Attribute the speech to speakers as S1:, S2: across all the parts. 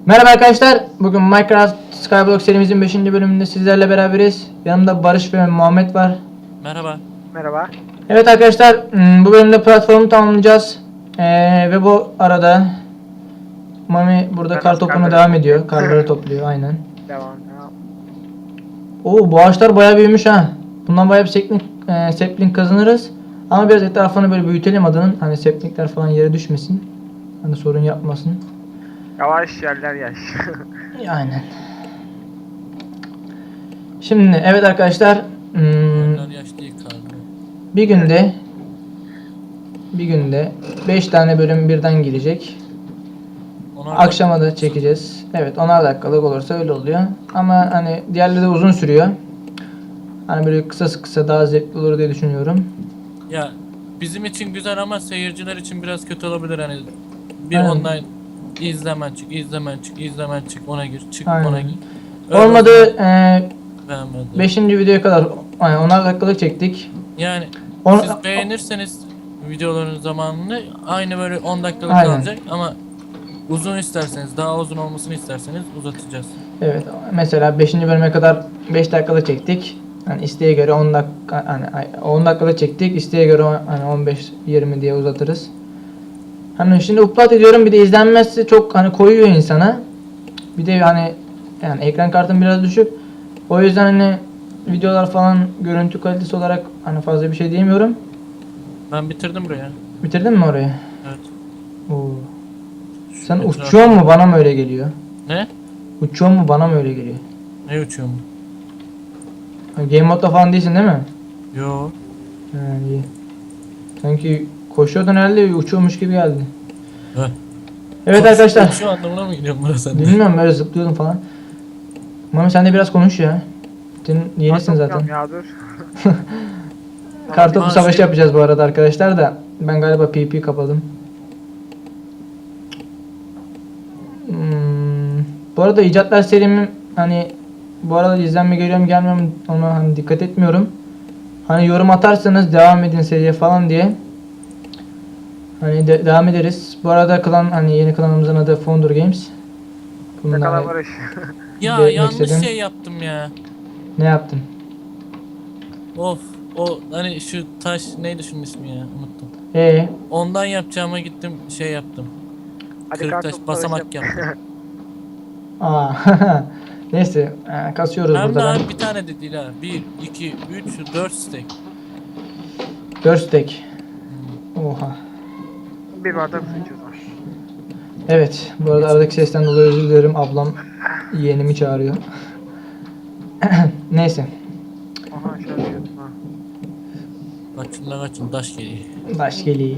S1: Merhaba arkadaşlar. Bugün Minecraft Skyblock serimizin 5. bölümünde sizlerle beraberiz. Yanımda Barış ve Muhammed var.
S2: Merhaba.
S3: Merhaba.
S1: Evet arkadaşlar, bu bölümde platformu tamamlayacağız. Ve bu arada Mami burada
S3: Ben
S1: kar topuna
S3: karları
S1: devam ediyor. Karları topluyor aynen.
S3: Devam.
S1: Oo, bu ağaçlar bayağı büyümüş ha. Bundan bayağı bir sapling kazanırız. Ama biraz etrafını böyle büyütelim adanın. Hani saplingler falan yere düşmesin. Hani sorun yapmasın.
S3: Yavaş yerler yaş.
S1: Aynen. Şimdi evet arkadaşlar,
S2: Onlar yaş değil karlı.
S1: bir günde 5 tane bölüm birden gelecek. Akşama da çekeceğiz. Evet, 10'ar dakikalık olursa öyle oluyor. Ama hani diğerleri de uzun sürüyor. Hani böyle kısa daha zevkli olur diye düşünüyorum.
S2: Ya bizim için güzel ama seyirciler için biraz kötü olabilir hani. Bir
S1: Aynen.
S2: online izlemen çık, izlemen çık, ona gir, çık,
S1: Aynen.
S2: ona gir. Öyle
S1: Olmadı
S2: beğenmedim.
S1: 5. videoya kadar yani 10'ar dakikalık çektik.
S2: Yani
S1: On-
S2: siz beğenirseniz videoların zamanını aynı böyle 10 dakikalık
S1: Aynen.
S2: kalacak ama uzun isterseniz, daha uzun olmasını isterseniz uzatacağız.
S1: Evet, mesela 5. bölüme kadar 5 dakikalık çektik. Hani isteğe göre 10 dakika, hani 10 dakikalık çektik. İsteğe göre hani 15-20 diye uzatırız. Hani şimdi upload ediyorum, bir de izlenmesi çok hani koyuyor insana. Bir de hani yani ekran kartım biraz düşük. O yüzden hani videolar falan görüntü kalitesi olarak hani fazla bir şey diyemiyorum.
S2: Ben bitirdim buraya.
S1: Bitirdin mi orayı?
S2: Evet.
S1: Oo. Sen
S2: Etrafı-
S1: uçuyor mu, bana mı öyle geliyor?
S2: Ne?
S1: Uçuyor mu, bana mı öyle geliyor?
S2: Ne uçuyorum?
S1: Game modda falan değilsin değil mi?
S2: Yo.
S1: İyi. Sanki koşuyordun herhalde, uçuyormuş gibi geldi.
S2: Heh.
S1: Evet arkadaşlar.
S2: Şu anlamına mı gidiyorum burası sende?
S1: Bilmiyorum, böyle zıplıyordum falan. Mami sen de biraz konuş ya. Senin yenisin zaten.
S3: Ya dur.
S1: Kartopu
S2: Aa,
S1: savaşı
S2: şey-
S1: yapacağız bu arada arkadaşlar da. Ben galiba PP kapadım. Bu arada icatlar serimin hani bu arada izlenme geliyor mu gelmiyor mu ona hani dikkat etmiyorum. Hani yorum atarsanız devam edin seriye falan diye. Hani devam ederiz. Bu arada klan, hani yeni klanımızın adı Founder Games.
S3: Yakala Barış.
S2: Ya
S1: belirtmek
S2: yanlış
S1: istedim.
S2: şey yaptım ya.
S1: Ne yaptın?
S2: Of, o hani şu taş neydi şunun ismi ya, unuttum. Ondan yapacağıma gittim şey yaptım.
S3: Hadi
S2: Kırık taş
S3: kartopu
S2: basamak
S3: savaşı
S2: yaptım.
S1: Aa. Neyse, kasıyoruz
S2: Hem de
S1: burada.
S2: abi bir tane de değil ha. 1, 2, 3, 4 stack.
S1: 4 stack. Oha.
S3: Bir bardak su içiyoruz.
S1: Evet, bu arada aradaki sesten dolayı özür dilerim. Ablam yeğenimi çağırıyor. Neyse.
S3: Aha aşağı düşüyordum ha.
S2: Kaçın la kaçın, taş geliyor.
S1: Baş geliyor.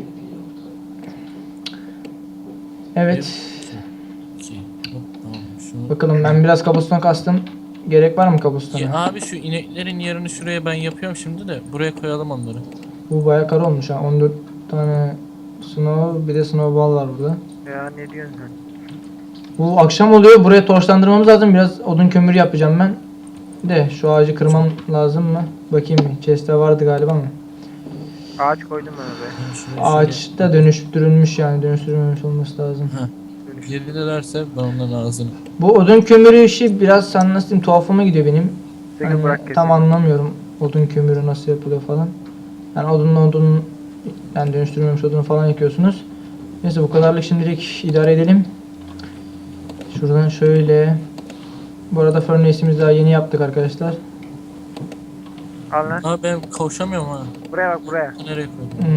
S1: Evet.
S2: 2, hop tamam şunu.
S1: Bakalım, ben biraz kabuston kastım. Gerek var mı kabustona?
S2: Ya abi şu ineklerin yerini şuraya ben yapıyorum şimdi de buraya koyalım onları.
S1: Bu bayağı kar olmuş ha. 14 tane snow, bir de snowball var burada.
S3: Ya ne diyorsun sen?
S1: Bu akşam oluyor. Buraya torçlandırmamız lazım. Biraz odun kömürü yapacağım ben. De şu ağacı kırmam lazım mı? Bakayım bir. Chest'te vardı galiba mı?
S3: Ağaç koydum ben oraya.
S2: Yani şuraya
S1: Ağaç da dönüştürülmüş, yani dönüştürülmemiş olması lazım.
S2: Yedilerse ben onların ağzını.
S1: Bu odun kömürü işi biraz, sen nasıl diyeyim, tuhafıma gidiyor benim.
S3: Peki
S1: Hani
S3: bırak
S1: tam
S3: kesin.
S1: anlamıyorum odun kömürü nasıl yapılıyor falan. Yani odun yani dönüştürülmemiş odunu falan yakıyorsunuz. Neyse, bu kadarlık şimdilik idare edelim. Şuradan şöyle. Bu arada furnace'imizi daha yeni yaptık arkadaşlar.
S3: Al lan.
S2: Abi ben kavuşamıyorum ha.
S3: Buraya bak buraya.
S2: Nereye koydum?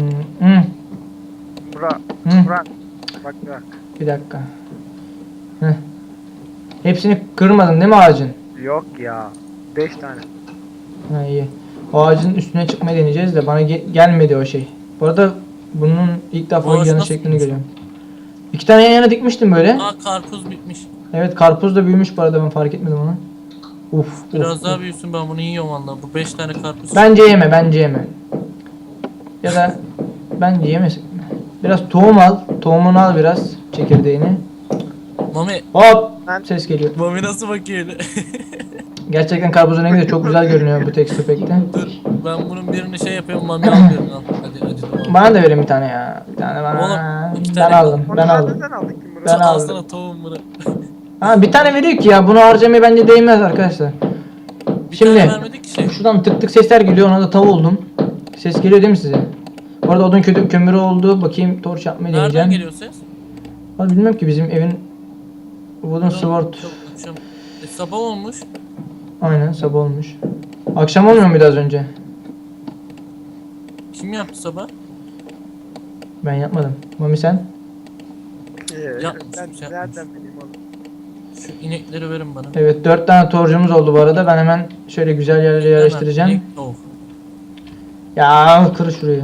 S3: Bura.
S1: Hı.
S3: Bura. Bak bak.
S1: Bir dakika. Heh. Hepsini kırmadın değil mi ağacın?
S3: Yok ya. 5 tane.
S1: Ha, iyi. O ağacın üstüne çıkmayı deneyeceğiz de bana gelmedi o şey. Bu arada bunun ilk defa
S2: Orası
S1: yanı
S2: nasıl
S1: şeklini
S2: büyümüş?
S1: görüyorum. 2 tane yan yana dikmiştim böyle.
S2: Aa karpuz bitmiş.
S1: Evet, karpuz da büyümüş bu arada, ben fark etmedim onu. Uf.
S2: Biraz
S1: uf,
S2: daha
S1: uf.
S2: büyüsün, ben bunu yiyorum valla. Bu 5 tane karpuz.
S1: Bence yeme. Ya da bence yemesin. Biraz tohum al. Tohumunu al biraz. Çekirdeğini.
S2: Mami.
S1: Hop.
S3: Ben-
S1: Ses geliyor.
S2: Mami nasıl bakıyor öyle?
S1: Gerçekten karpuzun rengi de çok güzel görünüyor bu texture pack'te.
S2: Dur ben bunun birini şey yapıyorum, Mami al birini al. Hadi tamam.
S1: Bana da verin bir tane ya. Bir tane bana.
S2: Oğlum, iki
S1: Ben
S2: tane
S1: aldım.
S3: Onu
S1: Ben
S3: zaten
S1: aldım.
S3: sen aldın kim
S1: Ben
S2: Alsana
S1: aldım.
S2: tavuğum bunu.
S1: Ha bir tane veriyor ki ya, bunu harcamaya bence değmez arkadaşlar.
S2: Bir
S1: Şimdi
S2: tane vermedik ki şey.
S1: şuradan tık tık sesler geliyor, ona da tav oldum. Ses geliyor değil mi size? Bu arada odun kömürü oldu. Bakayım torç yapmayı
S2: Nereden
S1: deneyeceğim.
S2: geliyor ses?
S1: Vallahi bilmiyorum ki, bizim evin Wooden Sword.
S2: Çok akşam. Sabah olmuş.
S1: Aynen sabah olmuş. Akşam olmuyor muydu az önce?
S2: Kim yaptı sabah?
S1: Ben yapmadım. Mami sen?
S2: Yapmış,
S3: Ben
S2: yapmış.
S3: nereden bileyim oğlum?
S2: Şu inekleri verin bana.
S1: Evet 4 tane torcumuz oldu bu arada. Ben hemen şöyle güzel yerlere yerleştireceğim.
S2: Hemen inek tavuk.
S1: Ya kır şurayı.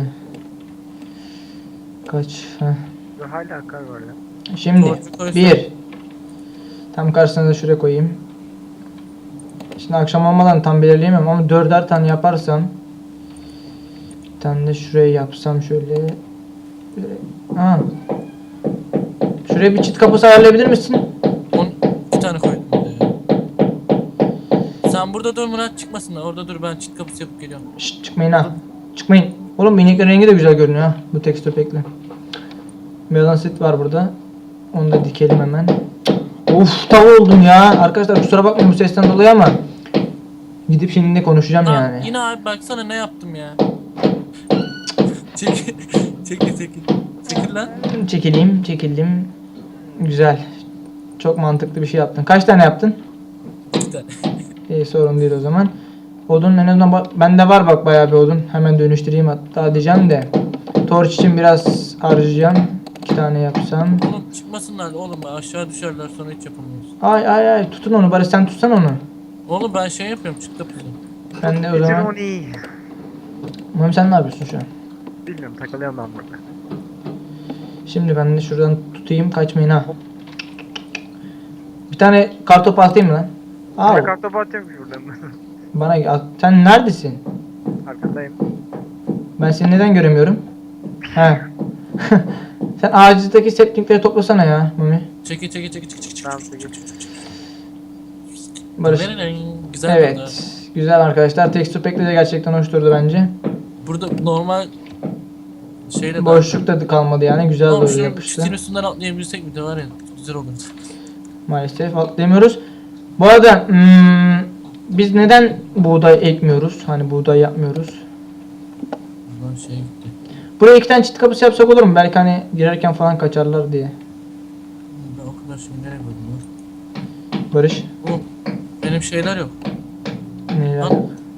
S1: Kaç? Heh.
S3: Dur, hala kar var ya.
S1: Şimdi
S2: Torcu koysana.
S1: 1. Tam karşısına da şuraya koyayım. Şimdi akşam olmadan tam belirleyemem ama 4'er tane yaparsam, bir tane de şuraya yapsam şöyle. Ha. Şuraya bir çit kapısı ayarlayabilir misin?
S2: 2 tane koydum bir de ya. Sen burada dur Murat, çıkmasınlar. Orada dur, ben çit kapısı yapıp geliyorum.
S1: Şşt, çıkmayın ha. Çıkmayın. Oğlum ineklerin rengi de güzel görünüyor ha. Bu tekstür pekle. Melansit var burada. Onu da dikelim hemen. Of tav oldum ya. Arkadaşlar kusura bakmayın bu sesten dolayı ama gidip şimdi de konuşacağım
S2: Lan
S1: yani.
S2: yine abi baksana ne yaptım ya. Çekil. Çekil. Çekil lan.
S1: Çekildim. Güzel. Çok mantıklı bir şey yaptın. Kaç tane yaptın?
S2: 2 tane.
S1: İyi sorun değil o zaman. Odun en azından bende var bak bayağı bir odun. Hemen dönüştüreyim hatta diyeceğim de. Torç için biraz harcayacağım. 2 tane yapsam.
S2: Oğlum çıkmasınlar oğlum, aşağı düşerler sonra hiç yapamıyoruz.
S1: Ay tutun onu bari, sen tutsan onu.
S2: Oğlum ben şey yapıyorum, çit kapısı.
S1: Ben de o
S3: Getir
S1: zaman.
S3: onu.
S1: Mami sen ne yapıyorsun şu an?
S3: Bilmiyorum, takılıyorum ben burada.
S1: Şimdi ben de şuradan tutayım, kaçmayın ha. Bir tane kartopu atayım mı lan? Al.
S3: Bırak kartopu atıyorum şuradan.
S1: Bana at. Sen neredesin?
S3: Arkadayım.
S1: Ben seni neden göremiyorum? He. Sen ağacıdaki saplingleri toplasana ya Mami.
S2: Çekil.
S3: Tamam, çekil.
S1: Barış.
S2: Güzel
S1: Evet.
S2: burada.
S1: Güzel arkadaşlar. Texture pack'le de gerçekten hoş durdu bence.
S2: Burada normal şeyle
S1: Boşluk da kalmadı yani. Güzel
S2: Oğlum
S1: doğru
S2: şu
S1: yapıştı.
S2: çitin üstünden atlayabilsek bir de var ya, güzel olurdu.
S1: Maalesef atlayamıyoruz. Bu arada biz neden buğday ekmiyoruz? Hani buğday yapmıyoruz.
S2: Buradan şey gitti.
S1: Buraya 2 tane çit kapısı yapsak olur mu? Belki hani girerken falan kaçarlar diye.
S2: Ben o kadar şimdi nereye koydum lan?
S1: Barış.
S2: Oğlum benim şeyler yok.
S1: Ne,
S2: Lan.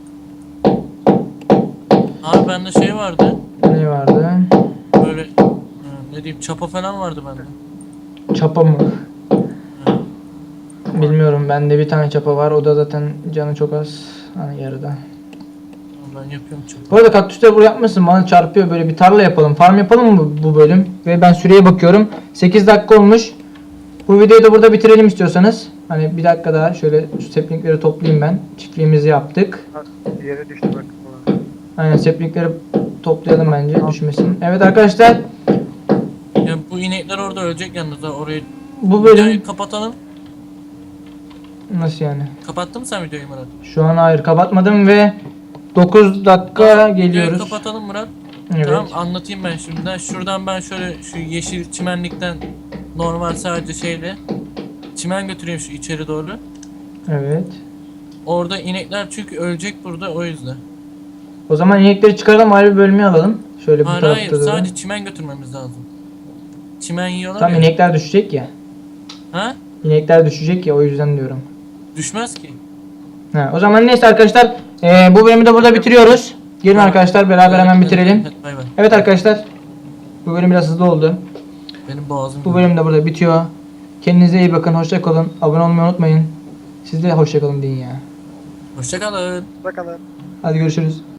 S2: Abi bende şey vardı.
S1: ne vardı?
S2: Böyle ne diyeyim, çapa falan vardı bende.
S1: Çapa mı?
S2: Ha.
S1: Bilmiyorum. Bende bir tane çapa var. O da zaten canı çok az. Hani yarıda.
S2: Ben yapıyorum çapa.
S1: Bu arada kaktüsleri buraya yapmışsın. Bana çarpıyor. Böyle bir tarla yapalım. Farm yapalım mı bu bölüm? Ve ben süreye bakıyorum. 8 dakika olmuş. Bu videoyu da burada bitirelim istiyorsanız. Hani bir dakika daha şöyle şu saplingleri toplayayım ben. Çiftliğimizi yaptık.
S3: Ha, yere düştü bak. Ulan.
S1: Aynen saplingleri toplayalım bence düşmesin. Evet arkadaşlar.
S2: Ya bu inekler orada ölecek yalnız ha, orayı.
S1: Bu bölüm
S2: Videoyu kapatalım.
S1: nasıl yani?
S2: Kapattın mı sen videoyu Murat?
S1: Şu an hayır kapatmadım ve 9 dakika
S2: Videoyu
S1: geliyoruz.
S2: kapatalım Murat.
S1: Evet.
S2: Tamam, anlatayım ben şimdiden. Şuradan ben şöyle şu yeşil çimenlikten normal sadece şeyle çimen götüreyim şu içeri doğru.
S1: Evet.
S2: Orada inekler çünkü ölecek burada, o yüzden.
S1: O zaman inekleri çıkaralım, ayrı bir bölüme alalım. Şöyle bu
S2: Hayır
S1: tarafta
S2: hayır,
S1: da.
S2: sadece çimen götürmemiz lazım. Çimen yiyorlar
S1: Tam
S2: ya.
S1: inekler düşecek ya.
S2: Ha?
S1: İnekler düşecek ya, o yüzden diyorum.
S2: Düşmez ki.
S1: Ha, o zaman neyse arkadaşlar, bu bölümü de burada bitiriyoruz. Gelin arkadaşlar beraber hemen bitirelim.
S2: Hadi bay bay.
S1: Evet arkadaşlar, bu bölüm biraz hızlı oldu.
S2: Benim boğazım.
S1: Bu bölüm de burada bitiyor. Kendinize iyi bakın, hoşça kalın. Abone olmayı unutmayın. Siz de hoşça kalın deyin ya.
S2: Hoşça kalın.
S3: Bakalım.
S1: Hadi görüşürüz.